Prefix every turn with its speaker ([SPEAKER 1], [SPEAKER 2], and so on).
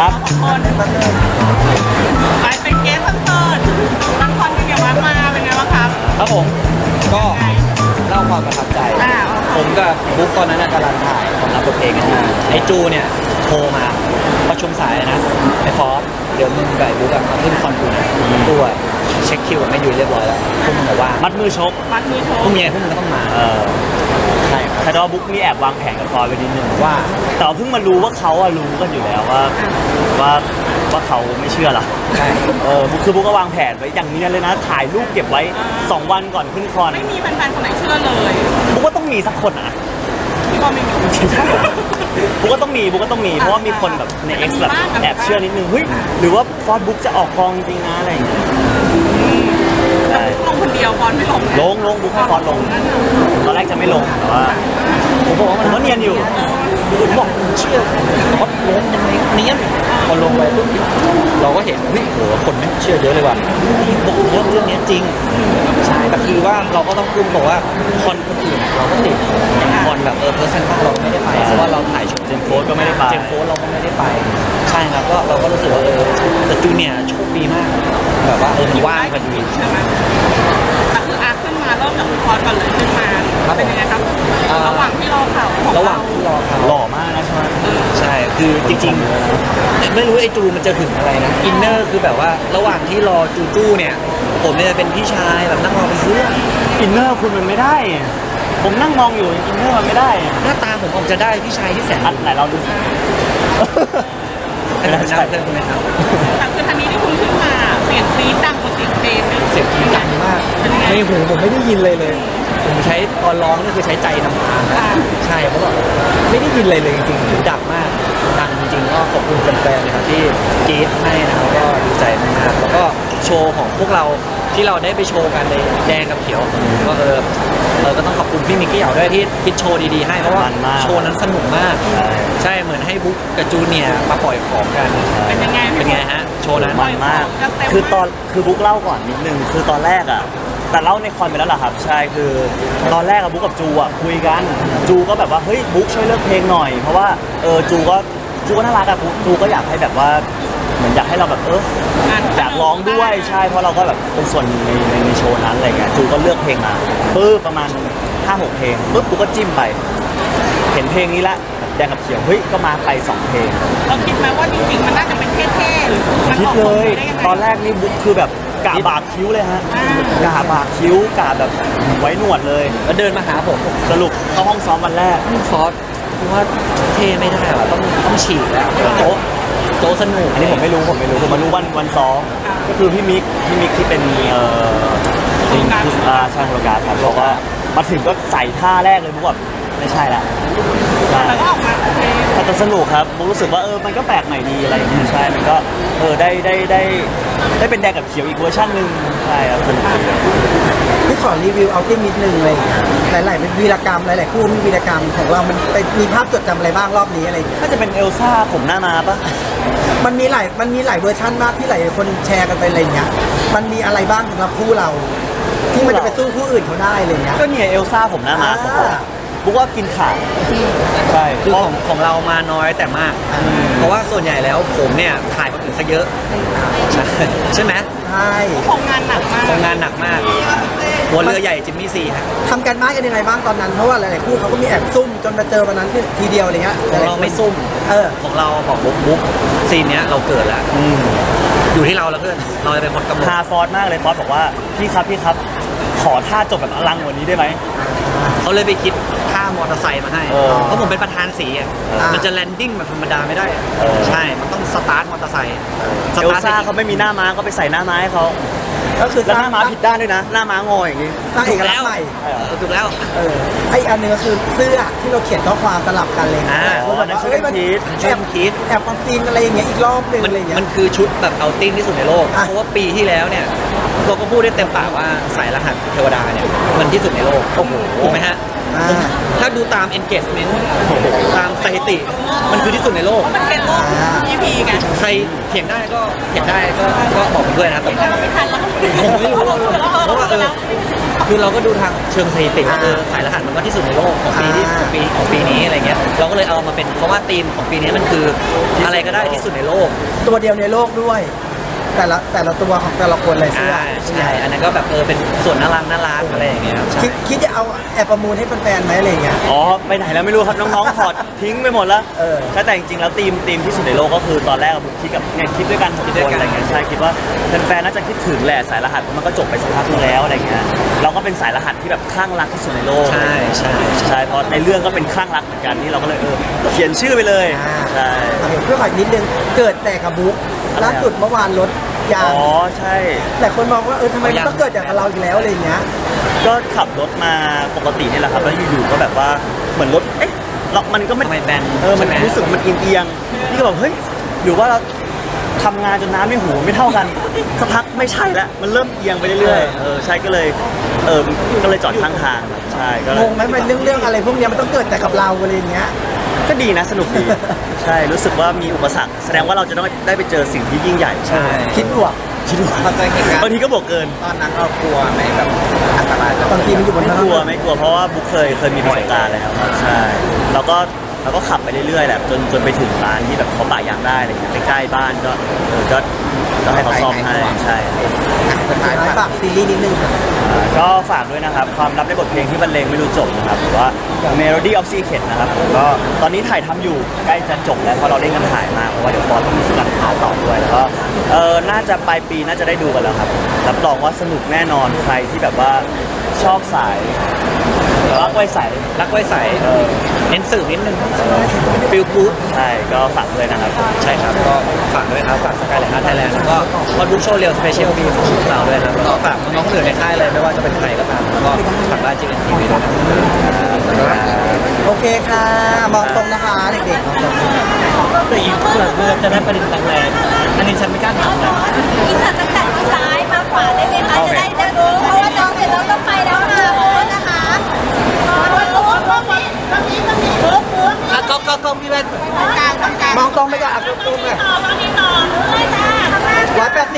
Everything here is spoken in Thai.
[SPEAKER 1] ครับคนไปเป็นเกสคอนเสิร์ตตั้งคอนเป็นไงบ้างมาเป็นไงบ้างครับ
[SPEAKER 2] ครับผมก็เล่าความประทับใจ ผมกับบุ๊กตอนนั้นกำลังถ่ายของรับบทเพลงกันอยู่ไอ้จูเนี่ยโทรมาประชุมสายนะไอ้ฟอสเดี๋ยวมึงกับไอ้บุ๊กมาขึ้นคอนกูนะตัวเช็คคิวกับแม่ยุ้ยเรียบร้อยแล้วพวกมึงบอกว่ามัดมือชกพวกเมียพวกมึงก็ต้องมาใช่แต่ว่าบุ๊กมีแอบวางแผนกับฟอสไว้นิดนึงว่าแต่เพิ่งมารู้ว่าเขารู้กันอยู่แล้วว่าเขาไม่เชื่อหรอใช่บุ๊กก็วางแผนไว้อย่างนี้เลยนะถ่ายรูปเก็บไว้2 วันก่อนขึ้นคอน
[SPEAKER 1] ไม่มีแฟนๆคนไหนเชื่อเลย
[SPEAKER 2] บุ๊กก็ต้องมีสักคนนะ
[SPEAKER 1] พี่บอลไม่มี
[SPEAKER 2] บุ๊กก็ต้องมีเพราะว่ามีคนแบบใน X แบบแอบเชื่อนิดนึงเฮ้ยหรือว่าฟอสบุ๊กจะออกกองจริงนะอะไรอย่างเงี้ย
[SPEAKER 1] ลงคนเดียวฟอนไม่ลง
[SPEAKER 2] ลงบุ๊กให้ฟอสลงตอนแรกจะไม่ลงแต่ว่าผมบอกว่ามันก็เนียนอยู่ผมบอกเชื่อฟอสลงยังไงเนียนพอลงไปปุ๊บเราก็เห็นเฮ้ยโหคนไม่เชื่อเยอะเลยว่ะนี่บอกเรื่องนี้จริงใช่แต่คือว่าเราก็ต้องพูดบอกว่าคอนคนอื่นเราก็ติดอย่างคอนแบบเพอร์เซนต์เราไม่ได้ไปเพราะว่าเราถ่ายโชว์เจมโฟสก็ไม่ได้ไปเจมโฟสเราก็ไม่ได้ไปใช่ครับก็เราก็รู้สึกว่าแต่จูเนี่ยโชคดีมากแบบว่ามันว่างพอดี
[SPEAKER 1] ใช่ไหมแต่คือขึ้นมาเริ่มจากคอนก่อนเลยขึ้นมาเป็นยังไงครับระหว่างที่รอข่าว
[SPEAKER 2] หล่อมากนะใช่ไหมใช่คือจริงๆไม่รู้ไอ้จูมันจะถึงอะไรนะอินเนอร์คือแบบว่าระหว่างที่รอจูเนี่ยผมเนี่ยเป็นพี่ชายแบบนั่งรอเป็นเพื่อนอินเนอร์คุณมันไม่ได้ผมนั่งมองอยู่อินเนอร์มันไม่ได้หน้าตาผมออกจะได้พี่ชายที่แสนไหนเราดูอันนั้นใช่ไหมครับ
[SPEAKER 1] แต่คือทันนี้ที่คุณขึ้นมาเสียงกรี๊ดดังกว่าเสียงเพลง
[SPEAKER 2] เสียงกรี๊ดดังมากในหูผมไม่ได้ยินเลยผมใช้ตอนร้องนี่คือใช้ใจนำทางใช่เพราะว่าไม่ได้ยินเลยจริงๆหูดังมากดังจริงๆก็ขอบคุณแฟนๆนะครับที่กรี๊ดให้นะครับก็ดีใจมากแล้วก็โชว์ของพวกเราที่เราได้ไปโชว์กันในแดงกับเขียวก็ก็ต้องขอบคุณพี่มิกกี้เหยาด้วยที่คิดโชว์ดีๆให้เพราะว่าโชว์นั้นสนุกมากใช่เหมือนให้บุ๊กกับจูเนียร์มาปล่อยของกัน
[SPEAKER 1] เป็นยังไง
[SPEAKER 2] ฮะโชว์นั้น
[SPEAKER 3] มันมากคือบุ๊กเล่าก่อนนิดนึงคือตอนแรกแต่เล่าในคอนไปแล้วเหรอครับใช่คือตอนแรกบุ๊กกับจูคุยกันจูก็แบบว่าเฮ้ยบุ๊กช่วยเลือกเพลงหน่อยเพราะว่าจูก็น่ารักจูก็อยากให้แบบว่าเหมือนอยากให้เราแบบอยากร้องด้วยใช่เพราะเราก็แบบเป็นส่วนในโชว์นั้นอะไรเงี้ยจูก็เลือกเพลงมาประมาณ 5-6 เพลงกูก็จิ้มไปเห็นเพลงนี้ละแดงกับเขียวเฮ้ยก็มาไป2 เพลง
[SPEAKER 1] เราคิดไหมว่าจริงๆมันน่าจะเป็นเท่ๆหรือ
[SPEAKER 3] คิดเลยตอนแรกนี่บุ๊กคือแบบกะบากคิ้วเลยฮะกะบากคิ้วกะแบบไว้หนวดเลย
[SPEAKER 2] แล้วเดินมาหาผม
[SPEAKER 3] สรุปเข้าห้องซ้อมวันแรก
[SPEAKER 2] ฟอสคือว่าเท่ไม่ได้ว่ะต้องฉีกแล้วโต๊ะสนุก
[SPEAKER 3] อันนี้ผมไม่รู้ผมมารู้วันซ้อมก็คือพี่มิกที่เป็นใช่โปรการครับบอกว่ามาถึงก็ใส่ท่าแรกเลยบุ๊กแบบไม่ใช่ละ
[SPEAKER 1] แล้วก็ออกมา
[SPEAKER 3] แต่สนุกครับบุ๊กรู้สึกว่ามันก็แปลกใหม่ดีอะไรอย่างเงี้ยใช่มันก็ได้เป็นแดงกับเขียวอีกเวอร์ชันนึงใช่ครับ
[SPEAKER 4] พี่ขอรีวิวเอาที่นิดนึงเลยหลายๆเป็นวีรกรรมหลายๆคู่มีวีรกรรมของเรามันมีภาพจดจำอะไรบ้างรอบนี้อะไรอย่างเงี้ย
[SPEAKER 3] น่าจะเป็นเอลซ่าผมหน้ามาปะ
[SPEAKER 4] มันมีหลายเวอร์ชันมากที่หลายคนแชร์กันไปอะไรเงี้ยมันมีอะไรบ้างสำหรับคู่เราที่มันจะไปสู้คู่อื่นเขาได้อะไรเงี้ย
[SPEAKER 3] ก็เนี่ยเอลซ่าผมหน้ามาบุ๊กว่ากินขาด
[SPEAKER 2] ใช่คือของเรามาน้อยแต่มากเพราะว่าส่วนใหญ่แล้วผมเนี่ยถ่ายคนอื่นซะเยอะใช่ไหม
[SPEAKER 4] ใช่
[SPEAKER 1] ทำงานหนัก
[SPEAKER 2] มากหัวเรือใหญ่จิมมี่ซีฮะ
[SPEAKER 4] ทำการบ้านกันยังไงบ้างตอนนั้นเพราะว่าหลายๆคู่เขาก็มีแอบซุ่มจนมาเจอวันนั้นทีเดียวอะไรเงี้ย
[SPEAKER 2] ของเราไม่ซุ่มของเราบอกบุ๊กซีนเนี้ยเราเกิดแล้วอยู่ที่เราแล้วเพื่อนเราจะเป็นคนกำหนด
[SPEAKER 3] พาฟอสมากเลยฟอสบอกว่าพี่ครับขอท่าจบแบบอลังกว่านี้ได้ไหม
[SPEAKER 2] เขาเลยไปคิดท่ามอเตอร์ไซค์มาให้เพราะผมเป็นประธานสีมันจะแลนดิ้งแบบธรรมดาไม่ได้ใช่มันต้องสตาร์ทมอเตอร์ไซค์
[SPEAKER 3] เอลซ่าเขาไม่มีหน้าม้าก็ไปใส่หน้าม้าให้เขา
[SPEAKER 4] ก็คือ
[SPEAKER 3] แล้วหน้าม้าผิดด้านด้วยนะหน้าม้างออย่างนี้
[SPEAKER 4] ถูกแล้ว
[SPEAKER 2] ถูกแล้ว
[SPEAKER 4] ไออันนึงก็คือเสื้อที่เราเขียนข้อความสลับกันเลย
[SPEAKER 3] นั่นช่วยกัน
[SPEAKER 4] คิดแอบมาซีนอะไรอย่างเงี้ยอีกรอบนึงอะไรเงี้ย
[SPEAKER 2] มันคือชุดแบบเอาติ้งที่สุดในโลกเพราะว่าปีที่แล้วเนี่ยเราก็พูดได้เต็มปากว่าสายรหัสเทวดาเนี่ยมันที่สุดในโลกถูกไหมฮะถ้าดูตาม engagement ตามสถิติมันคือที่สุดในโลก
[SPEAKER 1] มันเป็นโลก EP ไง
[SPEAKER 2] ใครเถียงได้ก็บอกเพื่อนนะครับผมไม่รู้เพราะว่าคือเราก็ดูทางเชิงสถิติว่าสายรหัสมันก็ที่สุดในโลกของปีนี้อะไรเงี้ยเราก็เลยเอามาเป็นเพราะว่าธีมของปีนี้มันคืออะไรก็ได้ที่สุดในโลก
[SPEAKER 4] ตัวเดียวในโลกด้วย แต่ละตัวของแต่ละคนเลยเสื้อ
[SPEAKER 2] ใช่อันนั้นก็แบบเป็นส่วนน่ารักอะไรอย่างเงี้ยครับใช่
[SPEAKER 4] คิดจะเอาแอบประมูลให้แฟนๆไหมอะไรอย่างเงี้ย
[SPEAKER 3] อ๋อไปไหนแล้วไม่รู้ครับน้องๆถอดทิ้งไปหมดแล้ว
[SPEAKER 4] เออ
[SPEAKER 3] ใช่แต่จริงๆแล้วทีมที่สุดในโลกก็คือตอนแรกบุ๊กคิดกับเนี่ยคิดด้วยกันหกคนอะไรเงี้ยใช่คิดว่าแฟนๆน่าจะคิดถึงแหละสายรหัสมันก็จบไปสักพักนึงแล้วอะไรเงี้ยเราก็เป็นสายรหัสที่แบบคลั่งรักที่สุดในโลก
[SPEAKER 2] ใช่
[SPEAKER 3] เพราะในเรื่องก็เป็นคลั่งรักเหมือนกันที่เราก็เลยเขียนชื่อไปเลยใช่
[SPEAKER 4] เพื่อขออีกนิดนึงเกิดแต่กับบุ๊กล่าสุดเมื่อวานรถยาง
[SPEAKER 3] อ๋อใช่
[SPEAKER 4] แต่คนมองว่าทำไมมันต้องเกิดจากเราอีกแล้วอะไรอย่างเงี้ย
[SPEAKER 3] ก็ขับรถมาปกตินี่แหละครับแล้วอยู่ๆก็แบบว่าเหมือนรถมันก็ไม่
[SPEAKER 2] ทำไมแบน
[SPEAKER 3] มัน
[SPEAKER 2] ใช่ไหม
[SPEAKER 3] รู้สึกมันเอียงๆนี่ก็แบบเฮ้ยหรือว่าเราทำงานจนน้ำในหูไม่เท่ากันสักพักไม่ใช่แล้วมันเริ่มเอียงไปเรื่อยๆใช่ก็เลยก็เลยจอดข้างทางใช่ก็เล
[SPEAKER 4] ง
[SPEAKER 3] ย
[SPEAKER 4] งไหมมันเรื่องอะไรพวกเนี้ยมันต้องเกิดแต่กับเราอะไรอย่างเงี้ย
[SPEAKER 3] ก็ดีนะสนุกดี ใช่รู้สึกว่ามีอุปสรรคแสดงว่าเราจะต้องได้ไปเจอสิ่งที่ยิ่งใหญ่
[SPEAKER 2] ใช่
[SPEAKER 4] คิดบวก
[SPEAKER 3] คิดว่า
[SPEAKER 5] เข้าใจเหตุการณ์
[SPEAKER 3] บางทีก็บวกเกิน
[SPEAKER 5] ตอนนั้นเรากลัวไหมแบบอันตรายจะ
[SPEAKER 4] บางทีมันอยู่บน
[SPEAKER 3] ไม่
[SPEAKER 4] ถน
[SPEAKER 3] กลัวน
[SPEAKER 4] น
[SPEAKER 3] ไม่กลัวเพราะว่าบุ๊คเคยมีประสบการณ์แล้วครับใช่เราก็ขับไปเรื่อยๆแหละจนไปถึงร้านที่แบบเขาปะยางได้อะไรอย่างเงี้ยใกล้ๆบ้านก็ให้เขาซ่อมให้ใช่
[SPEAKER 5] สุดท้าย
[SPEAKER 4] ท้ายฝากซีรีส์นิดนึงครับ
[SPEAKER 3] ก็ฝากด้วยนะครับความลับในบทเพลงที่บรรเลงไม่รู้จบนะครับหรือว่า Melody of Secret นะครับผมก็ตอนนี้ถ่ายทำอยู่ใกล้จะจบแล้วเพราะเราเร่งกันถ่ายมากเพราะว่าเดี๋ยวฟอนต้องมีการถ่ายต่อด้วยแล้วก็น่าจะปลายปีน่าจะได้ดูกันแล้วครับรับรองว่าสนุกแน่นอนใครที่แบบว่าชอบสายรักไว้ใส
[SPEAKER 2] รักไว้ใสเน้นสื่อนิดนึงฟิลกู๊ด
[SPEAKER 3] ใช่ก็ฝากเลยนะครับ
[SPEAKER 2] ใช่ครับก็ฝากด้วยครับฝากสกายไลน์ไทยแลนด์แล้วก็คอนบุ๊กโชว์เรียลสเปเชียลปีของพวกเราด้วยครับแล้วก็ฝากน้องๆคนอื่นในค่ายเลยไม่ว่าจะเป็นใครก็ตามแล้วก็ฝากบ้านจีเอ็นทีวีด้วยนะครับ
[SPEAKER 4] โอเคค่ะ มองตรงนะคะเด็กๆมองตรง
[SPEAKER 2] แต่อีกเพื่อจะได้ประเด็นต่างๆอันนี้ฉันไม่กล้าถามนะ
[SPEAKER 6] อีสัตว์ตั้งแต่ซ้ายมาขวาได้ไหมคะจะได้รู้เพราะว่าน้องเดี๋ยวน้องต้องไปแล้วค่ะขอโทษนะคะ
[SPEAKER 2] ก็พี่แว่น
[SPEAKER 4] มองตรงไปก่อนอ่ะตรงๆเลย180